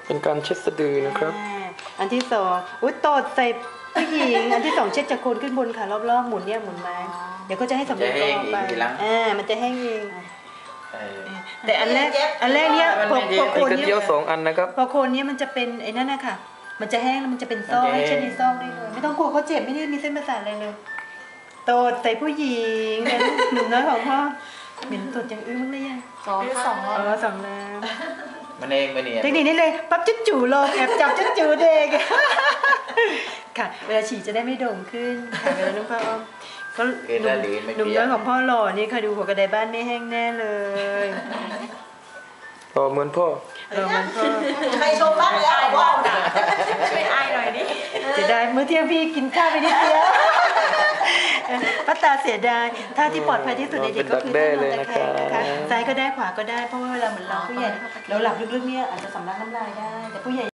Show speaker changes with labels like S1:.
S1: เป็นการเช็ดสะดือนะครับ
S2: อันที่สองอุ้ยตดใส่ผู้หญิงอันที่สองเช็ดจากโคนขึ้นบนค่ะรอบๆหมุนเนี่ยหมุนมาเดี๋ยวก็จะให้สำเร็จออกไปมันจะแห้งเองแต่อันแรกเนี่ยพอโคนเนี่ย
S1: 2 อันนะครับ
S2: พอโคนเนี่ยมันจะเป็นไอ้นั่นนะคะมันจะแห้งแล้วมันจะเป็นซอกให้เช็ดในซอกได้เลยไม่ต้องกลัวเขาเจ็บไม่ได้มีเส้นประสาทอะไรเลยตดใส่ผู้หญิงเนี่ยหนุ่มน้อยของพ่อเหม็นตดอย่างอื่นมั้งเลยยัง
S3: 2
S2: แล้ว
S4: มันเองมันเนี่ย
S2: เทคนิคนี้เลยปั๊บจุ๊จู่ลงแอบจับจุ๊จู่เด็กค่ะเวลาฉี่จะได้ไม่โด่งขึ้นค่ะเวลาน้องพ่อก็หนุ่มน้อยของพ่อหล่อนี่ค่ะดูหัวกระไดบ้านไม่แห้งแน่เลย
S1: เหมือนพ่อ
S3: ใครชมบ้างแล้วว่าช่วยอายหน่อยดิ
S2: เสียดายเมื่อเที่ยงพี่กินข้าวไปนิดเดียวป้าตาเสียดายท่าที่ปลอดภัยที่สุดในเด็กก็คือท่านอนตะแคงนะคะซ้ายก็ได้ขวาก็ได้เพราะว่าเวลาเหมือนเราผู้ใหญ่เราหลับลึกๆเนี่ยอาจจะสำลักน้ำลายได้แต่ผู้ใหญ่